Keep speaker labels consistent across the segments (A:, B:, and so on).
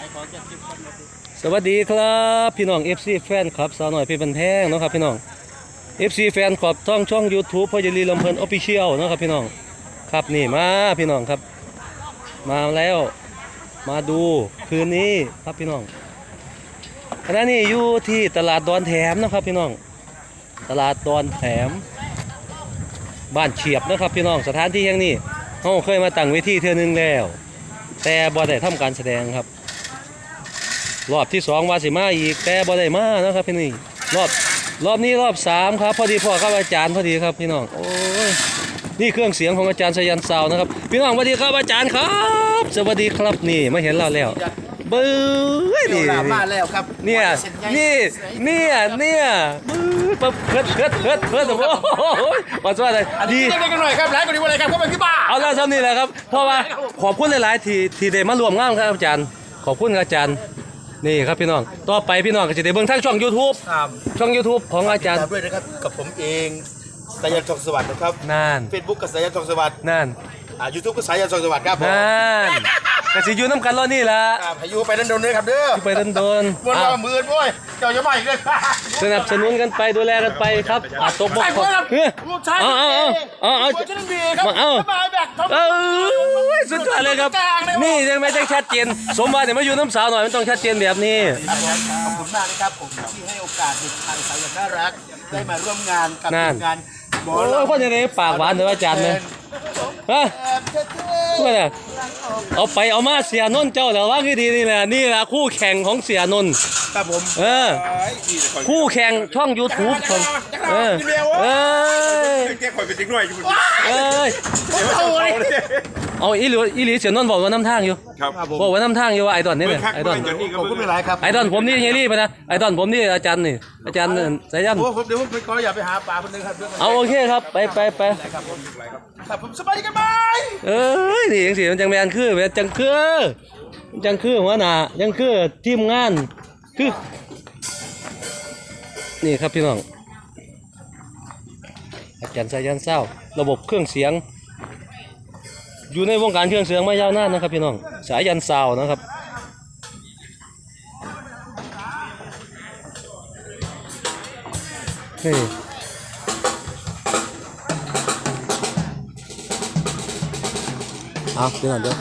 A: สวัสดีครับพี่น้อง FC แฟนคลับสาวหน่อยเพชรบันแพงนะครับพี่น้อง FC แฟนคลับช่อง YouTube พ่อจะรีลำเพลิน Official นะครับพี่น้องครับนี่มาพี่น้องครับมาแล้วมาดูคืนนี้ครับพี่น้องขณะนี้อยู่ที่ตลาดดอนแถมนะครับพี่น้องตลาดดอนแถมบ้านเฉียบนะครับพี่น้องสถานที่แห่งนี้เราเคยมาตั้งเวทีเทื่อนึงแล้วแต่บ่ได้ทำการแสดงครับรอบที่2ว่าสิมาอีกแต่บ่ได้มานะครับพี่นี่รอบนี้รอบ3ครับพอดีพ่อครับอาจารย์พอดีครับพี่น้องโอ้ยนี่เครื่องเสียงของอาจารย์สยันซาวนะครับพี่น้องสวัสดีครับอาจารย์ครับสวัสดีครับนี่มาเห็นเราแล้วเบ้ยนี่
B: มาแล้วครับ
A: เนี่ยปั๊บเพิดโอ้ยมาสวัสดีดี
B: กันหน่อยครับหลายคนดีวันไหนครับเข้าไปที่บ้าน
A: เอาแล้วเท่านี้แหละครับเพราะว่าขอบคุณหลายๆที่ได้มารวมงานครับอาจารย์ขอบคุณอาจารย์นี่ครับพี่น้องต่อไปพี่น้องก็จะได้เบิ่งทางช่อง YouTube ช่อง YouTube ของอาจารย์
B: ด้วยนะครับกับผมเองสายันทองสวัสดิ์นะครับ
A: นั่น
B: Facebook กับสายันทองสวัสดิ์
A: นั่น
B: YouTube ก็สายันทองสวัสดิ์ครับ
A: นั่นก็สิอยู่น้ำกันรอนี่ล่ะ
B: พายุไปโดนเลยครับเด้อ
A: ไปโดน
B: วนมาหมื่นโว้ยเจ้าจะมาอีกเลย
A: สนับสนุนกันไปดูแลกันไปครับตกบกเอาสุดยอดเลยครับนี่ยังไม่ได้ชัดเจนสมบัติเนี่ยมาอยู่น้ำสาวหน่อยมันต้องชัดเจนแบบนี้
B: ขอบคุณมากนะครับผมที่ให้โอกาสเด็กชายสายันน่ารักได้มาร่วมงานกับงาน
A: โอ้ยพ่อจะได้ปากหวานเลยอาจารย์เลยฮะพวกเนี่ยเอามาเสียนนท์เจ้าแต่ว่าคือดีนี่แหละคู่แข่งของเสียนนท์
B: ครับผม
A: คู่แข่งช่อง YouTube ของ
B: แกคอยเป็นจริงด้วย
A: เอาอีหลีเสียนนท์บอกว่าน้ำทางอยู่บอกว่าน้ำทางอยู่ว่าไอดอนนี่เนี่ยไอดอน
B: ขอบคุณหลายครับ
A: ไอดอนผมนี่เฮลี่ไปนะไอดอนผมนี่อาจารย์สายัน
B: เดี๋ยวผมไปขออย่าไปหาปลาคนนึงครับ
A: เอาโอเคครับไป
B: ครับผมสบายดีกันไหม
A: นี่ยังสิมันจังแมนคือจังคือหัวหน้ายังคือทีมงานคือนี่ครับพี่น้องอาจารย์สายันเศร้าระบบเครื่องเสียงอยู่ในวงการเครื่องเสียงมายาวนานนะครับพี่น้องสายันเศร้านะครับนี่พี่น้องเด้อ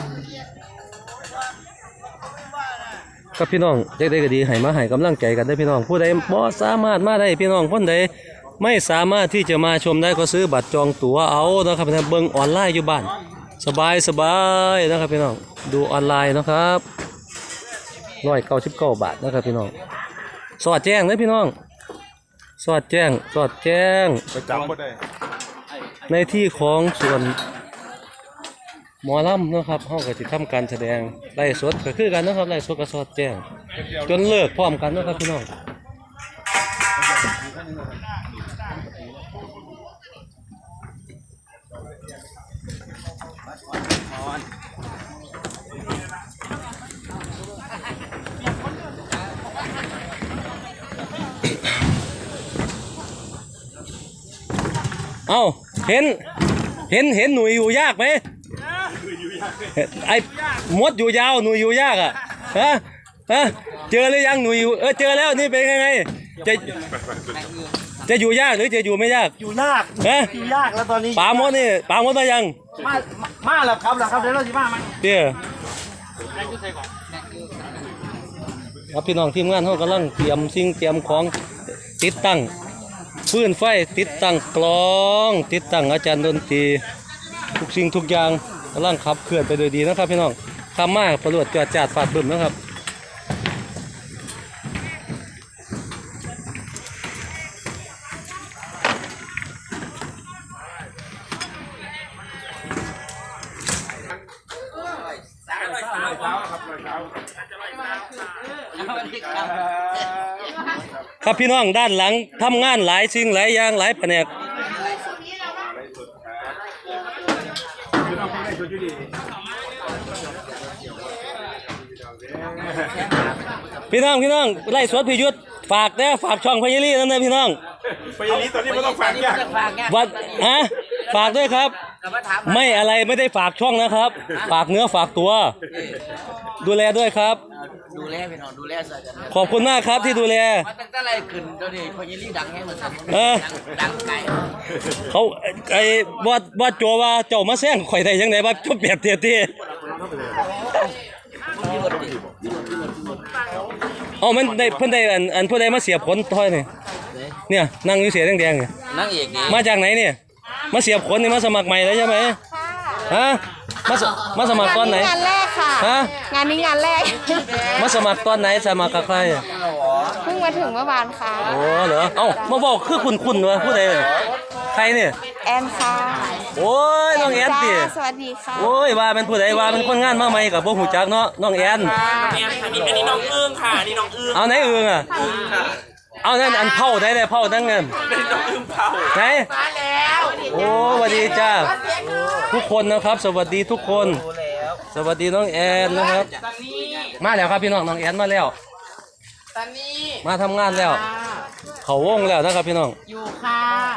A: กับพี่น้องได้ก็ดีให้มาให้กำลังใจกันได้พี่น้องผู้ใดบ่สามารถมาได้พี่น้องคนใดไม่สามารถที่จะมาชมได้ก็ซื้อบัตรจองตั๋วเอานะครับเบิ่งออนไลน์อยู่บ้านสบายนะครับพี่น้องดูออนไลน์นะครับ199 บาทนะครับพี่น้องสอดแจ้งเลยพี่น้องสอดแจ้งในที่ของส่วนหมอลำนะครับเขาก็จะทำการแสดงไล่สดก็คือกันนะครับไล่สดกับสอดแจ้งจนเลิกพร้อมกันนะครับพี่น้องเห็นหนุ่ยอยู่ยากไหมไอ้มดอยู่ยาวหนุ่ยอยู่ยากอ่ะเจอหรือยังหนุ่ยอยู่เจอแล้วนี่เป็นไงจะอยู่ยากหรือจะอยู่ไม่ยาก
B: อยู่ยากอยู่ยากแล้วตอนนี้
A: ปามดมายัง
B: มาแล้วครับเดี๋ยวเราจะมาไหม
A: เดี๋ยวครับพี่น้องทีมงานเขากำลังเตรียมของติดตั้งฟื้นไฟติดตั้งกลองติดตั้งอาจารย์ดนตรีทุกสิ่งทุกอย่างกำลังขับเคลื่อนไปโดยดีนะครับพี่น้องข้ามมาประหลวดจาดฟาดบึ้มนะครับครับพี่น้องด้านหลังทำงานหลายสิ่งหลายอย่างหลายแผนกพี่น้องไล่สวดพิยุทธฝากช่องพญาลีนั่นนะพี่น้อง
B: พญาลีตอนนี้ไม่ต้องฝากยาก
A: ฝากด้วยครับไม่ได้ฝากช่องนะครับฝากเนื้อฝากตัวดูแลด้วยครับ
B: ดูแลพี่น้องดูแลใส่กัน
A: ขอบคุณมากครับที่ดูแล
B: มาตั้งแต่ไรขึ้นตอนนี้พญาลีดังแห้งเหมือนกัน
A: เออ
B: ดังไก่
A: เขาไอ้บอดโจว่าเจ้ามาแซงข่อยได้ยังไงว่าจบแบบเตี้ยๆเอามันได้เพิ่นได้อันผู้ใดมาเสียบขนถอยนี่เนี่ยนั่งอยู่เสียแดงๆนี่
B: นั่งเอกนี่
A: มาจากไหนเนี่ยมาเสียบขนนี่มาสมัครใหม่แล้วใช่ไหมฮะมาสมัครตอนไหน
C: งานแรกค่ะ
A: ฮะ
C: งานนี้งานแรก
A: มาสมัครตอนไหนสมัครกับใคร
C: เพิ่งมาถึงเมื่อวานค่ะ
A: โอ้เหรอเอ้ามาบอกคือคุณวะผู้ใดใครเนี่ย
C: แอนค่ะ
A: โอ้ยน้องแอนติ
C: จ้าสวัสดีค่ะ
A: โอ้ยว่าเป็นผู้ใดว่าเป็นคนงานมาใหม่กับพวกหูจักเนาะน้องแอน
D: อันนี้น้องเอื้องค่ะอันนี้น้องเอื้อง
A: เอาไหนเอืองอ่ะเอานั่นอันเผาได้เผาทั้งนั้น
D: เป็นน้องเอื้องเผา
A: ไหนโอ้สวัสดีจ้าทุกคนนะครับ สวัสดีทุกคน สวัสดีน้องแอนนะครับ มาแล้วครับพี่น้องน้องแอนมาแล้วมาทำงานแล้ว เขาวงแล้วนะครับพี่น้อง
C: อยู่ค่ะ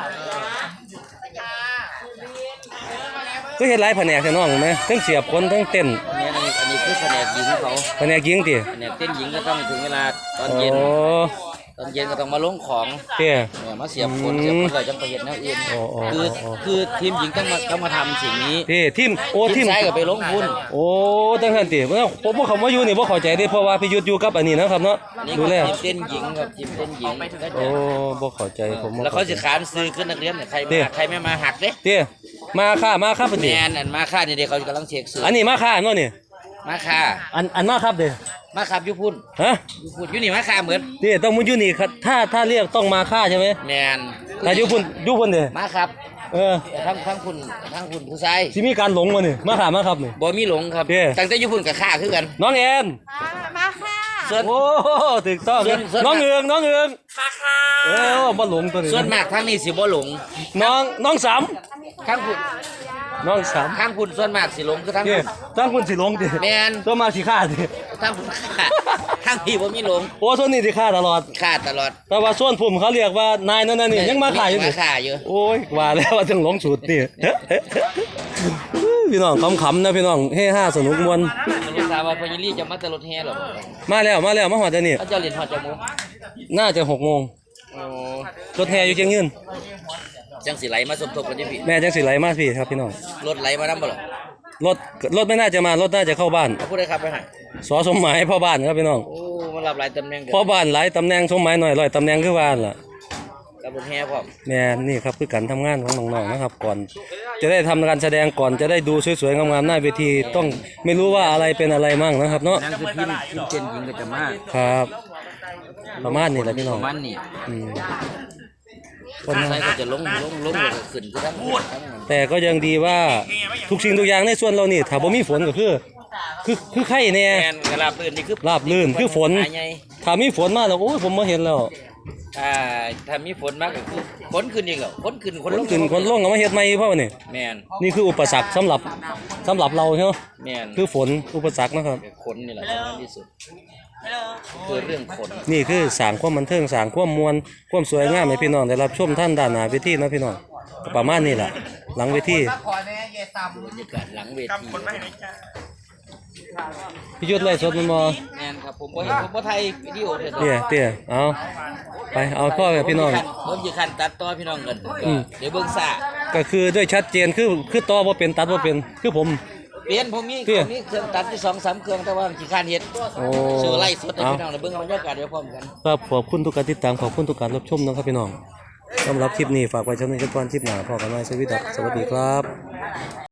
A: ก็เห็นหลายแผนกแต่น้องเห็นไหมทั้งเสียบคนทั้งเต้น
B: อันนี้คือแผนกหญิงเขา
A: แผนกยิงติ
B: แผนกเต้นหญิงก็ต้องถึงเวลาตอน
A: โอ้
B: เย็นตอนเย็นก็ต้องมาลงของ
A: เตี้ย
B: เนี่ยมาเสียบคนเลยจังไปเห็นแนวอื่น
A: โอ้โอ้
B: คือทีมหญิงต้องมาทำสิ่งนี้
A: พี่ทีมโอ้ที
B: ที
A: ม
B: มชายก็ไปลงทุน
A: โอ้ตั้งแต่ติผมบ่เข้ามาอยู่นี่บ่เข้าใจเดิเพราะว่าพี่ยุทธอยู่กับอันนี้นะครับเนาะ
B: นี่
A: ดู
B: ก็
A: แล
B: ทีมเต้นหญิงครับทีมเต้นหญิง
A: โอ้บ่เข้าใจผมบ่
B: แล้วเขาสิขานซื้อขึ้นนักเรียนเนี่ยใคร
A: นี่
B: มาใครไม่มาหักเด้
A: เตี้ยมาค่ะป
B: แม
A: ฏิ
B: นอันมาค่านี่เด็กเขากำลังเช็คซื้อ
A: อันนี้มาค่ะเนาะนี่
B: มาค่า
A: อันมาครับเด้อ
B: มาครับอยุพุ่น
A: ฮะ
B: อยุพุ่นอยู่นี่มาค่าเหมือน
A: เตี้ยต้องมุอยู่นี่ครับถ้าเรียกต้องมาค่าใช่ไหม
B: แมน
A: ถ้าอยู่พุ่นเด้อ
B: มาครับ
A: เออ
B: ทั้งคุณผู้ชาย
A: สิมีการหลงบ่นี่มาค่ะมาครับนี่
B: บ่มีหลงครับ
A: เด้
B: ตั้งแต่อยุพุ่นกับค่าคือกัน
A: น้องแอน
C: มาค่ะ
B: ส่วน
A: โอ้ถูกต้อง
B: ส่วน
A: น้องเอือง
D: มาค่ะ
A: เออบ่หลงตัวนี้
B: ส่วนมากทั้งนี้สิบ่หลง
A: น้องสาม
B: ทั้งคุณ
A: น้องสาม
B: ทั้งคุณส่วนมากสิหลงคือทั้ง
A: เตี้ยตั้งคุณสิหลงติ
B: แมน
A: ตัวมาสิฆ่าติ
B: ทั้งคุณค่าทั้งพี่บ่มีหลง
A: โอ้ส่วนนี้สิฆ่าตลอด
B: ค่าตลอด
A: แต่ว่าส่วนผมเขาเรียกว่านายนั่นนี่ยังมาฆ่าอยู่
B: มา
A: นี่
B: ค่าอยู่
A: โอ้ยว่าแล้วว่าถึงหลงสูตรนี่ พี่น้องขำๆนะพี่น้องเฮ้ห้าสนุกมวน
B: รู้ทราบว่าพญาลีจะมาแต่รถแห่หรอ
A: มาแล้วมาหอดเดี๋ยวนี้
B: เขาเจ้าเรียนหอดจมูก
A: น่าจะ6 โมง
B: โอ้
A: รถแห่อยู่เชียงยืน
B: จังสิไหลมาสมทบกันที่พี่
A: แม่จังสิไหลมาพี่ครับพี่น้อง
B: รถไหลมานำบ่หรอ
A: รถไม่น่าจะมารถน่าจะเข้าบ้าน
B: เขาพูดได้ครับไปให้
A: สอสมหมายพ่อบ้านครับพี่น้อง
B: โอ้มารับหลายตำแหน่งเกิน
A: พ่อบ้านหลายตำแหน่งสมหมายหน่อย100ตำแหน่งคือบ้านล่ะ
B: กับรถแห่พร้อม
A: แม่นี่ครับคือการทำงานของน้องๆนะครับก่อน จะได้ทำการแสดงก่อนจะได้ดูสวยๆงามๆหน้าเวทีต้องไม่รู้ว่าอะไรเป็นอะไรมั่งนะครับเนาะ
B: นั่นคือทีมเจนหญิงก็จะมา
A: ครับ ประมาณนี้แหละพี่น้อง
B: ประมาณนี้
A: อืม
B: คนใส่ก็จะลงแล้วก็ขึ้นคือทั้งหมด
A: แต่ก็ยังดีว่าทุกสิ่งทุกอย่างในส่วนเรานี่ถ้าบ่มีฝนก็คือไข่แน่
B: แมนกระลาบลื่นนี่คือ
A: ราบลื่นคือฝน
B: หาใหญ่
A: ถ้ามีฝนมาแล้วโอ้ยผมมาเห็นแล้ว
B: ถ้ามีฝนมากก็คือฝนขึ้นอีกแล้วฝนขึ้น
A: คนขึ้นคนลงก็มาเฮ็ดใหม่เพราะว่านี่
B: แมน
A: นี่คืออุปสรรคสำหรับเราใช่ไหม
B: แมน
A: คือฝนอุปสรรคนะครับ
B: ขนนี่แหละสำคัญที่สุดคือเรื่องขน
A: นี่คือสร้างความบันเทิงสร้างความมวลความสวยงามให้พี่น้องได้รับชมท่านด้านหน้าเวทีนะพี่น้องก็ประมาณนี้แหละหลังเวที
B: บรรยากาศหลังเวที
D: คนไม่ให้จ้า
A: พี่ยุทธไล่สดมันบ่
B: แมนครับผมบ่ไทยวิดีโอเด้อ
A: เตี้ยเอาไปเอาพ่อกับพี่น้อง
B: ผมสิคันตัดต่อพี่น้องกัน
A: อืม
B: เดี๋ยวเบิ่งซ่า
A: ก็คือด้วยชัดเจนคือต่อบ่เป็นตัดบ่เป็นคือผม
B: เปลี่ยนผมมี
A: เตี้ย
B: เครื่องตัดที่2-3เครื่องแต่ว่าขี้คร้านเฮ็ด
A: โอ้
B: ซื้อไล่สดให้
A: เอา
B: พี่น้องได้เบิ่งบรรยากาศเดี๋ยวพร้อมกัน
A: ครับขอบคุณทุกการติดตามขอบคุณทุกการรับชมนะครับพี่น้องสำหรับคลิปนี้ฝากไว้ช่วงนี้กันก่อนคลิปหน้าพอกันไว้สวัสดีครับ